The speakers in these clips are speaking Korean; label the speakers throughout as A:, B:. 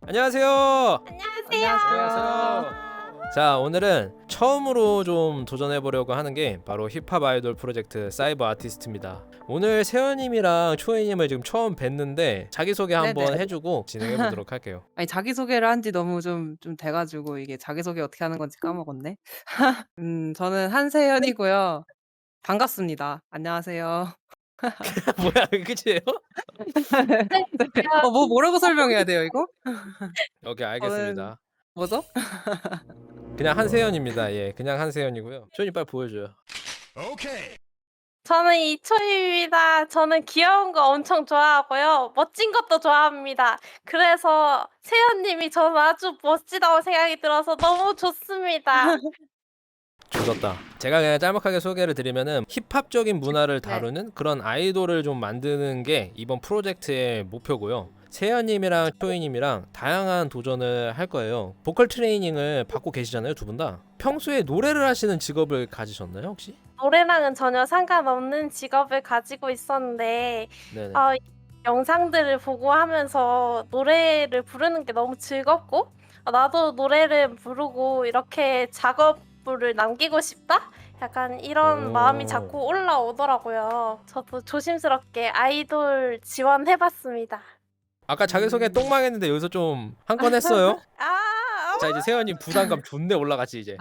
A: 안녕하세요.
B: 안녕하세요.
A: 자, 오늘은 처음으로 좀 도전해 보려고 하는 게 바로 힙합 아이돌 프로젝트 사이버 아티스트입니다. 오늘 세연님이랑 초이님을 지금 처음 뵙는데 자기소개 한번
B: 네네.
A: 해주고 진행해 보도록 할게요.
B: 아니 자기소개를 한 지 너무 좀 돼가지고 이게 자기소개 어떻게 하는 건지 까먹었네. 저는 한세연이고요. 반갑습니다. 안녕하세요.
A: 뭐야, 끝이에요?
B: 네. 뭐 뭐라고 설명해야 돼요 이거?
A: 오케이,
B: 저는
A: 알겠습니다.
B: 뭐죠?
A: 그냥 한세연입니다. 예, 그냥 한세연이고요. 초이님 빨리 보여줘요.
C: 저는 이초입니다. 저는 귀여운 거 엄청 좋아하고요. 멋진 것도 좋아합니다. 그래서 세연님이 저는 아주 멋지다고 생각이 들어서 너무 좋습니다.
A: 조졌다. 제가 그냥 짤막하게 소개를 드리면은 힙합적인 문화를
B: 네.
A: 다루는 그런 아이돌을 좀 만드는 게 이번 프로젝트의 목표고요. 세연님이랑 초이님이랑 다양한 도전을 할 거예요. 보컬 트레이닝을 받고 계시잖아요, 두 분 다. 평소에 노래를 하시는 직업을 가지셨나요, 혹시?
C: 노래랑은 전혀 상관없는 직업을 가지고 있었는데
A: 네네.
C: 영상들을 보고 하면서 노래를 부르는 게 너무 즐겁고 나도 노래를 부르고 이렇게 작업물을 남기고 싶다? 약간 이런
A: 오.
C: 마음이 자꾸 올라오더라고요. 저도 조심스럽게 아이돌 지원해봤습니다.
A: 아까 자기소개 똥망했는데 여기서 좀 한 건 했어요. 자, 이제 세연님 부담감 존내 올라갔지 이제.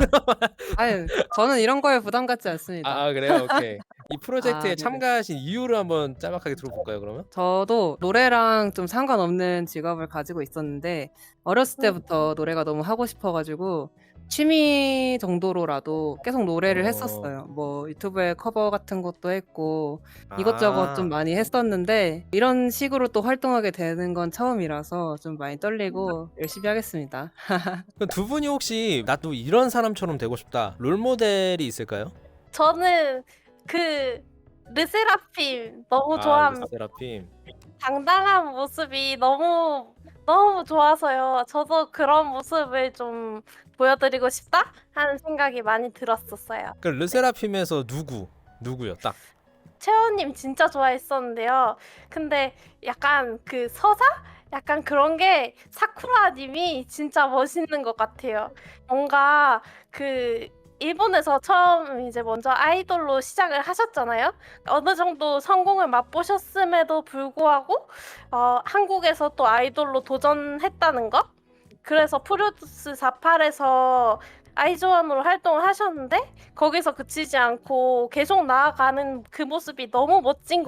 B: 아유 저는 이런 거에 부담 갖지 않습니다.
A: 그래요? 오케이. 이 프로젝트에
B: 네네.
A: 참가하신 이유를 한번 짤막하게 들어볼까요, 그러면?
B: 저도 노래랑 좀 상관없는 직업을 가지고 있었는데 어렸을 때부터 노래가 너무 하고 싶어가지고 취미 정도로라도 계속 노래를 했었어요. 뭐 유튜브에 커버 같은 것도 했고 이것저것 좀 많이 했었는데 이런 식으로 또 활동하게 되는 건 처음이라서 좀 많이 떨리고 열심히 하겠습니다.
A: 그럼 두 분이 혹시 나도 이런 사람처럼 되고 싶다 롤 모델이 있을까요?
C: 저는 그 르세라핌 너무 좋아합니다.
A: 르세라핌.
C: 당당한 모습이 너무 좋아서요. 저도 그런 모습을 좀 보여드리고 싶다 하는 생각이 많이 들었었어요.
A: 그 르세라핌에서 누구요? 딱.
C: 채원님 진짜 좋아했었는데요. 근데 약간 그 서사? 약간 그런 게 사쿠라님이 진짜 멋있는 것 같아요. 뭔가 그 일본에서 처음 이제 먼저 아이돌로 시작을 하셨잖아요. 어느 정도 성공을 맛보셨음에도 불구하고 한국에서 또 아이돌로 도전했다는 것? 그래서 프로듀스 48에서 아이즈원으로 활동을 하셨는데 거기서 그치지 않고 계속 나아가는 그 모습이 너무 멋진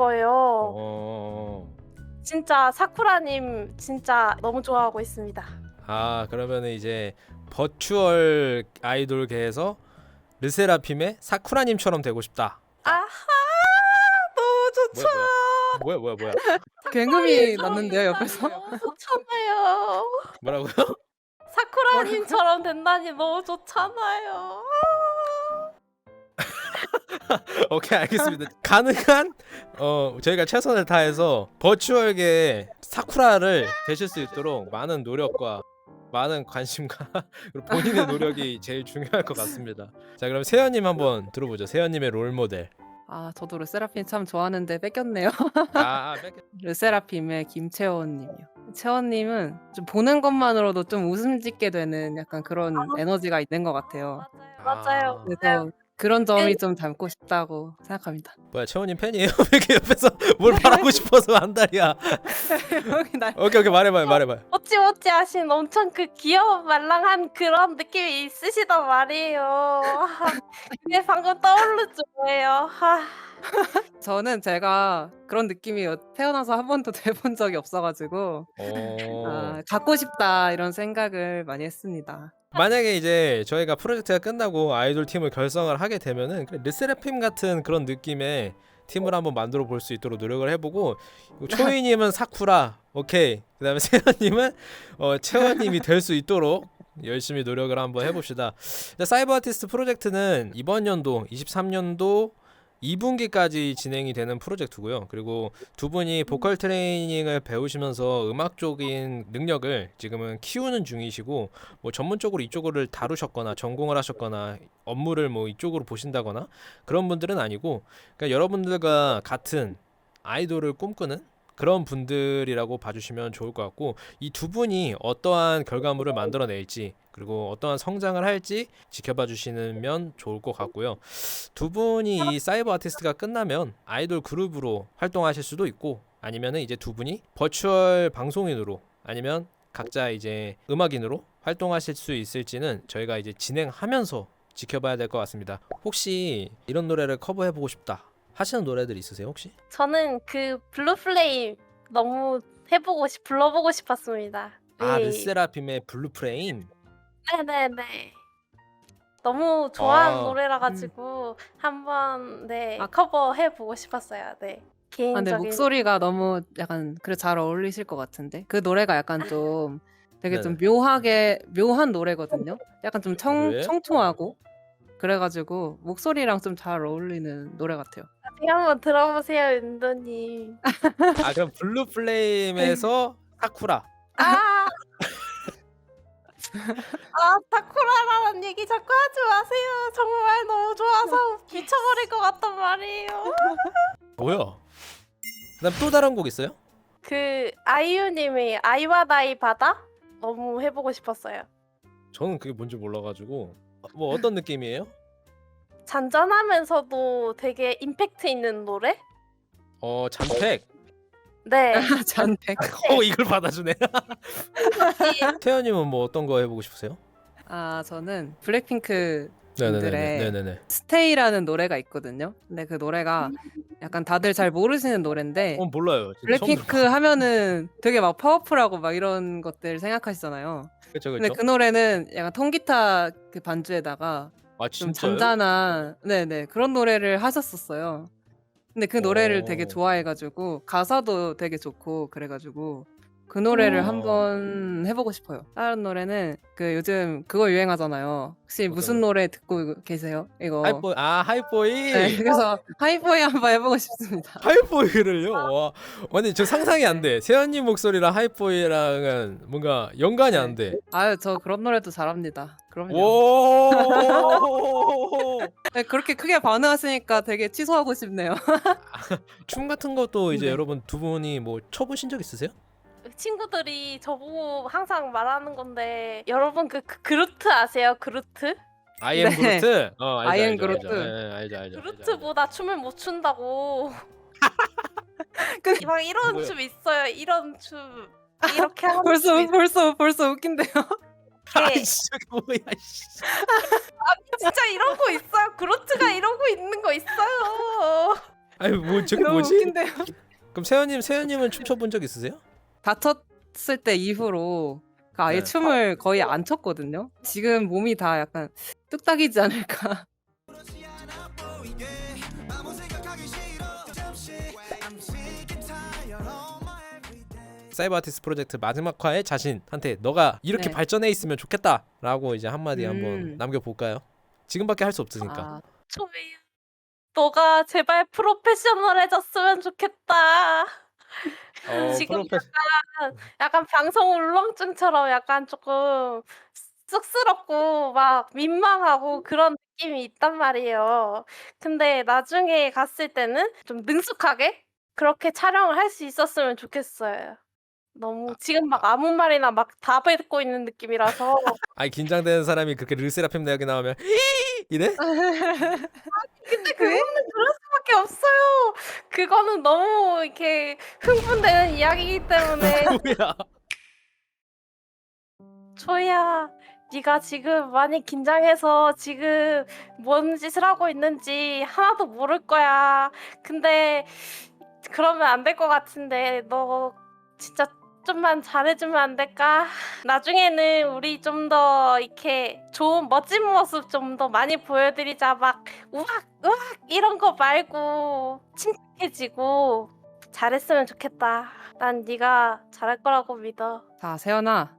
C: 거예요. 진짜 사쿠라님 진짜 너무 좋아하고 있습니다.
A: 그러면은 이제 버추얼 아이돌계에서 르세라핌의 사쿠라님처럼 되고 싶다.
C: 아하, 너무 좋죠.
A: 뭐야?
B: 굉음이 났는데요 옆에서.
C: 너무 좋잖아요.
A: 뭐라고요?
C: 사쿠라님처럼 된다니 너무 좋잖아요.
A: 오케이, 알겠습니다. 가능한 저희가 최선을 다해서 버추얼계 사쿠라를 되실 수 있도록 많은 노력과 많은 관심과 그리고 본인의 노력이 제일 중요할 것 같습니다. 자, 그럼 세연님 한번 들어보죠. 세연님의 롤 모델.
B: 저도 르세라핌 참 좋아하는데 뺏겼네요.
A: 뺏겼.
B: 르세라핌의 김채원님이요. 채원님은 좀 보는 것만으로도 좀 웃음 짓게 되는 약간 그런 에너지가 있는 것 같아요.
C: 맞아요.
B: 그래서 그런 점이 좀 닮고 싶다고 생각합니다.
A: 뭐야, 채원님 팬이에요? 왜 이렇게 옆에서 뭘 말하고 싶어서 한달이야.
B: 여기 날
A: 오케이, 말해봐요.
C: 어찌 하신 엄청 그 귀여운 말랑한 그런 느낌이 있으시단 말이에요. 그게 방금 떠오르죠 뭐예요.
B: 저는 제가 그런 느낌이 태어나서 한 번도 돼본 적이 없어가지고 갖고 싶다 이런 생각을 많이 했습니다.
A: 만약에 이제 저희가 프로젝트가 끝나고 아이돌 팀을 결성을 하게 되면은 르세라핌 같은 그런 느낌의 팀을 한번 만들어 볼 수 있도록 노력을 해보고, 초이님은 사쿠라, 오케이. 그다음에 세연님은 채원님이 될 수 있도록 열심히 노력을 한번 해봅시다. 사이버 아티스트 프로젝트는 이번 연도 23년도 2분기까지 진행이 되는 프로젝트고요. 그리고 두 분이 보컬 트레이닝을 배우시면서 음악적인 능력을 지금은 키우는 중이시고, 뭐 전문적으로 이쪽을 다루셨거나 전공을 하셨거나 업무를 뭐 이쪽으로 보신다거나 그런 분들은 아니고, 그러니까 여러분들과 같은 아이돌을 꿈꾸는 그런 분들이라고 봐주시면 좋을 것 같고, 이 두 분이 어떠한 결과물을 만들어낼지 그리고 어떠한 성장을 할지 지켜봐 주시면 좋을 것 같고요. 두 분이 이 사이버 아티스트가 끝나면 아이돌 그룹으로 활동하실 수도 있고, 아니면은 이제 두 분이 버추얼 방송인으로 아니면 각자 이제 음악인으로 활동하실 수 있을지는 저희가 이제 진행하면서 지켜봐야 될 것 같습니다. 혹시 이런 노래를 커버해보고 싶다 하시는 노래들 있으세요 혹시?
C: 저는 그 블루 플레임 너무 불러보고 싶었습니다.
A: 아,
C: 네.
A: 르세라핌의 블루 프레임.
C: 네네네. 너무 좋아하는
A: 아,
C: 노래라 가지고 한번
B: 아.
C: 커버해 보고 싶었어요. 네.
B: 근데
C: 개인적인
B: 목소리가 너무 약간 그래 잘 어울리실 것 같은데. 그 노래가 약간 좀 되게 좀
A: 네네.
B: 묘한 노래거든요. 약간 좀
A: 그래요?
B: 청초하고 그래 가지고 목소리랑 좀 잘 어울리는 노래 같아요.
C: 나중에 한번 들어보세요, 윤도님.
A: 아, 그럼 블루 플레임에서 사쿠라.
C: 아. 사쿠라라는 얘기 자꾸 하지 마세요. 정말 너무 좋아서 미쳐버릴 것 같단 말이에요.
A: 뭐야? 그다음 또 다른 곡 있어요?
C: 그 아이유님의 아이와 나이 바다 너무 해보고 싶었어요.
A: 저는 그게 뭔지 몰라가지고. 뭐 어떤 느낌이에요?
C: 잔잔하면서도 되게 임팩트 있는 노래?
A: 잔택.
C: 네.
B: 잔택.
A: 이걸 받아주네. 태연님은 뭐 어떤 거 해보고 싶으세요?
B: 아, 저는 블랙핑크
A: 네네네.
B: 분들의
A: 네네네.
B: 스테이라는 노래가 있거든요. 근데 그 노래가 약간 다들 잘 모르시는 노래인데
A: 몰라요. 진짜 처음
B: 블랙핑크
A: 들어봐.
B: 하면은 되게 막 파워풀하고 막 이런 것들 생각하시잖아요.
A: 그쵸
B: 근데
A: 그쵸.
B: 그 노래는 약간 통기타 그 반주에다가
A: 아
B: 좀
A: 진짜요?
B: 잔잔한 네네 그런 노래를 하셨었어요. 근데 그 노래를 되게
A: 어.
B: 좋아해가지고 가사도 되게 좋고 그래가지고 그 노래를
C: 음.
B: 한번 해보고 싶어요. 다른 노래는 그 요즘 그거 유행하잖아요. 혹시
A: 어떤
B: 무슨
A: 거요?
B: 노래 듣고 계세요? 이거.
A: 하이보이.
B: 네, 그래서 하이보이 한번 해보고 싶습니다.
A: 하이보이를요? 와, 아니 저 상상이 안 돼. 세연님 목소리랑 하이보이랑은 뭔가 연관이 안
B: 네.
A: 돼.
B: 아유, 저 그런 노래도 잘합니다. 그럼요.
A: 오.
B: 네, 그렇게 크게 반응하시니까 되게 취소하고 싶네요.
A: 춤 같은 것도 이제
B: 네.
A: 여러분 두 분이 뭐 춰보신 적 있으세요?
C: 친구들이 저보고 항상 말하는 건데 여러분 그루트 아세요? 그루트?
A: I am
B: 네.
A: 그루트? 알죠
B: I am
A: 알죠 알죠.
B: 그루트.
A: 알죠.
C: 그루트보다 춤을 못 춘다고.
B: 근데
C: 막 이런
A: 뭐요?
C: 춤 있어요. 이런 춤. 이렇게 하는 춤 있어요.
B: 벌써 웃긴데요.
A: 아이씨 뭐야 씨.
C: 진짜 이런 거 있어요. 그루트가 이러고 있는 거 있어요.
A: 아니 뭐 저게
B: 너무
A: 뭐지?
B: 웃긴데요.
A: 그럼 세연님은 춤춰본 적 있으세요?
B: 다쳤을 때 이후로 그 아예
A: 네.
B: 춤을 거의 안 췄거든요. 지금 몸이 다 약간 뚝딱이지 않을까.
A: 사이버 아티스트 프로젝트 마지막 화에 자신한테 너가 이렇게
B: 네.
A: 발전해 있으면 좋겠다라고 이제 한마디 한번
B: 음.
A: 남겨볼까요? 지금밖에 할 수 없으니까.
B: 아,
C: 초미야. 너가 제발 프로페셔널해졌으면 좋겠다. 지금 약간 방송 울렁증처럼 약간 조금 쑥스럽고 막 민망하고 그런 느낌이 있단 말이에요. 근데 나중에 갔을 때는 좀 능숙하게 그렇게 촬영을 할 수 있었으면 좋겠어요. 너무 지금 막 아무 말이나 막 다 뱉고 있는 느낌이라서
A: 아니 긴장되는 사람이 그렇게 르세라핌 대학에 나오면 이래?
C: 근데
B: 왜?
C: 그거는 그럴 수밖에 없어요. 그거는 너무 이렇게 흥분되는 이야기이기 때문에
A: 뭐야?
C: 초이야, 네가 지금 많이 긴장해서 지금 뭔 짓을 하고 있는지 하나도 모를 거야. 근데 그러면 안 될 것 같은데 너 진짜 좀만 잘해주면 안 될까? 나중에는 우리 좀 더 이렇게 좋은 멋진 모습 좀 더 많이 보여드리자. 막 우악 이런 거 말고 침착해지고 잘했으면 좋겠다. 난 네가 잘할 거라고 믿어.
B: 자, 세연아.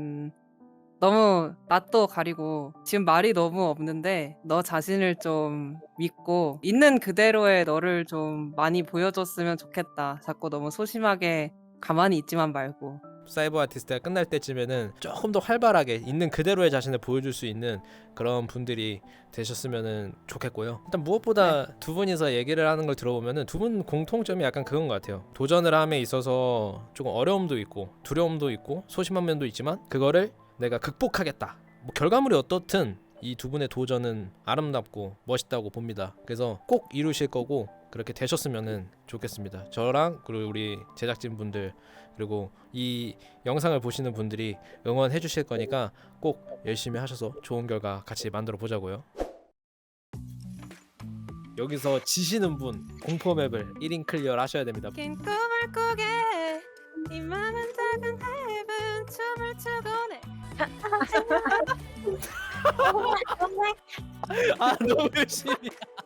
B: 너무 낯도 가리고 지금 말이 너무 없는데 너 자신을 좀 믿고 있는 그대로의 너를 좀 많이 보여줬으면 좋겠다. 자꾸 너무 소심하게 가만히 있지만 말고.
A: 사이버 아티스트가 끝날 때쯤에는 조금 더 활발하게 있는 그대로의 자신을 보여줄 수 있는 그런 분들이 되셨으면 좋겠고요. 일단 무엇보다 두 분이서 얘기를 하는 걸 들어보면은 두 분 공통점이 약간 그건 것 같아요. 도전을 함에 있어서 조금 어려움도 있고 두려움도 있고 소심한 면도 있지만 그거를 내가 극복하겠다. 뭐 결과물이 어떻든 이 두 분의 도전은 아름답고 멋있다고 봅니다. 그래서 꼭 이루실 거고 그렇게 되셨으면 좋겠습니다. 저랑 그리고 우리 제작진 분들 그리고 이 영상을 보시는 분들이 응원해 주실 거니까 꼭 열심히 하셔서 좋은 결과 같이 만들어 보자고요. 여기서 지시는 분 공포 맵을 1인 클리어를 하셔야 됩니다.
B: 긴 꿈을 꾸게 이 맘은 작은 앱은 춤을 추고네.
A: 아 너무 열심히